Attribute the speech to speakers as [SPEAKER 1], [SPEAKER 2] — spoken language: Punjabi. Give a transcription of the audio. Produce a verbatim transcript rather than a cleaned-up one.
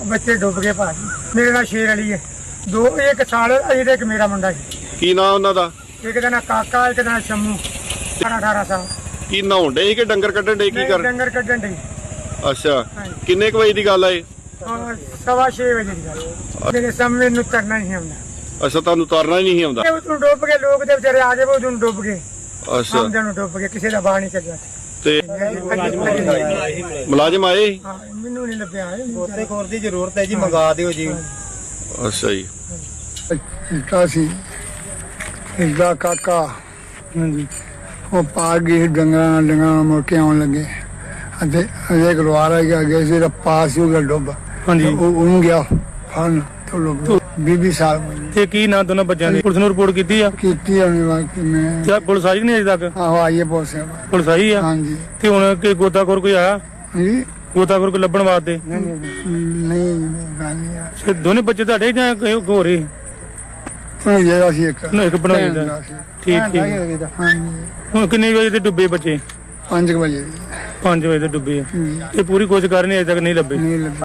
[SPEAKER 1] ਬੱਚੇ ਡੁੱਬ ਗਏ ਭਾਜੀ। ਮੇਰੇ ਨਾਲ ਸ਼ੇਰ ਅਲੀ ਹੈ, ਦੋ ਇੱਕ ਸਾਲ ਅਜੇ ਤੇ ਇੱਕ ਮੇਰਾ ਮੁੰਡਾ ਸੀ।
[SPEAKER 2] ਕੀ ਨਾਂ ਉਹਨਾਂ ਦਾ?
[SPEAKER 1] ਇੱਕ ਦਾ ਨਾਂ ਕਾਕਾ, ਇੱਕ ਦਾ ਨਾਂ ਸ਼ੰਮੂ, ਅਠਾਰਾਂ ਅਠਾਰਾਂ ਸਾਲ।
[SPEAKER 2] ਕੀ ਨਹਾਉਣ ਡੇ ਕਿ ਡੰਗਰ ਕੱਢਣ ਡੇ? ਕੀ
[SPEAKER 1] ਨਹੀਂ,
[SPEAKER 2] ਕਰ?
[SPEAKER 1] ਡੰਗਰ ਕੱਢਣ ਡਈ।
[SPEAKER 2] ਅੱਛਾ,
[SPEAKER 1] ਹਾਂਜੀ।
[SPEAKER 2] ਕਿੰਨੇ ਕੁ ਵਜੇ ਦੀ ਗੱਲ ਆ ਇਹ?
[SPEAKER 1] ਹਾਂ, ਸਵਾ ਛੇ ਵਜੇ ਦੀ ਗੱਲ। ਮੇਰੇ ਸਾਹਮਣੇ ਨੂੰ ਤਰਨਾ ਨਹੀਂ ਆਉਂਦਾ।
[SPEAKER 2] ਅੱਛਾ, ਤੁਹਾਨੂੰ ਤਰਨਾ ਹੀ ਨਹੀਂ ਆਉਂਦਾ?
[SPEAKER 1] ਉਦੋਂ ਡੁੱਬ ਗਏ ਲੋਕ ਦੇ ਵਿਚਾਰੇ ਆ ਗਏ, ਉਦੋਂ ਡੁੱਬ ਗਏ।
[SPEAKER 2] ਅੱਛਾ,
[SPEAKER 1] ਆਮਦਨ ਨੂੰ ਡੁੱਬ ਗਏ, ਕਿਸੇ ਦਾ ਬਾਹਰ ਨਹੀਂ ਚੱਲਿਆ।
[SPEAKER 2] ਤੇ ਮੁਲਾਜ਼ਮ ਆਏ?
[SPEAKER 1] ਹਾਂ, ਮੈਨੂੰ ਨਹੀਂ ਲੱਭਿਆ।
[SPEAKER 3] ਗੋਤੇ ਖੋਰ ਦੀ ਜ਼ਰੂਰਤ ਹੈ ਜੀ, ਮੰਗਾ ਦਿਓ ਜੀ।
[SPEAKER 2] ਅੱਛਾ ਜੀ।
[SPEAKER 4] ਇਸਦਾ ਸੀ ਇਸਦਾ ਕਾਕਾ ਹਾਂਜੀ, ਉਹ ਪਾ ਗਈ ਡੰਗਰਾਂ ਡੰਗਰਾਂ ਮੁੜ ਕੇ ਆਉਣ ਲੱਗੇ ਅਤੇ ਅਜੇ ਗਲਵਾਰਾ ਗਿਆ ਸੀ, ਪਾਸ ਹੋ ਗਿਆ ਡੁੱਬ।
[SPEAKER 3] ਹਾਂਜੀ,
[SPEAKER 4] ਉਹ ਉਹਨੂੰ ਗਿਆ ਫਨ ਤੋਂ ਲੋਕ ਬੀਬੀ ਸਾਹਿਬ
[SPEAKER 3] ਤੇ ਕੀ ਨਾਂ ਦੋਨਾਂ ਬੱਚਿਆਂ ਦੀ? ਪੁਲਿਸ ਨੂੰ ਰਿਪੋਰਟ ਕੀਤੀ ਆ?
[SPEAKER 4] ਕੀਤੀ ਉਹਨੇ ਵਾਕ ਮੈਂ
[SPEAKER 3] ਕਿਆ ਪੁਲਿਸ ਆਈ ਨਹੀਂ ਅਜੇ ਤੱਕ?
[SPEAKER 4] ਆਹੋ ਆਈਏ ਪੁਲਿਸ
[SPEAKER 3] ਪੁਲਿਸ ਆਈ ਆ?
[SPEAKER 4] ਹਾਂਜੀ
[SPEAKER 3] ਤੇ ਹੁਣ ਕਿ ਗੋਤਾਖੋਰ ਕੋਈ ਆਇਆ?
[SPEAKER 4] ਜੀ
[SPEAKER 3] ਗੋਤਾਖੋਰ ਕੋਈ ਲੱਭਣ ਵਾਸਤੇ?
[SPEAKER 4] ਨਹੀਂ ਗੱਲ ਨਹੀਂ ਆ
[SPEAKER 3] ਤੇ ਦੋਨੇ ਬੱਚੇ ਤੁਹਾਡੇ ਜਾਂ ਕੋਈ ਹੋਰ ਹੀ?
[SPEAKER 4] ਉਹ ਜਿਹੜਾ ਸੀ ਇੱਕ
[SPEAKER 3] ਨਾ, ਇੱਕ ਬਣਾਈ ਦਾ।
[SPEAKER 4] ਭੈਣ ਸੀ।
[SPEAKER 3] ਠੀਕ ਠੀਕ।
[SPEAKER 4] ਹਾਂਜੀ
[SPEAKER 3] ਹੁਣ ਕਿੰਨੇ ਵਜੇ ਤੇ ਡੁੱਬੇ ਬੱਚੇ?
[SPEAKER 4] ਪੰਜ ਕੁ ਵਜੇ
[SPEAKER 3] ਪੰਜ ਵਜੇ ਤੇ ਡੁੱਬੇ ਆ।
[SPEAKER 4] ਹਮ,
[SPEAKER 3] ਤੇ ਪੂਰੀ ਕੋਸ਼ਿਸ਼ ਕਰ ਰਹੇ ਨੇ, ਅਜੇ ਤੱਕ ਨਹੀਂ ਲੱਭੇ।
[SPEAKER 4] ਨਹੀਂ ਲੱਗਾ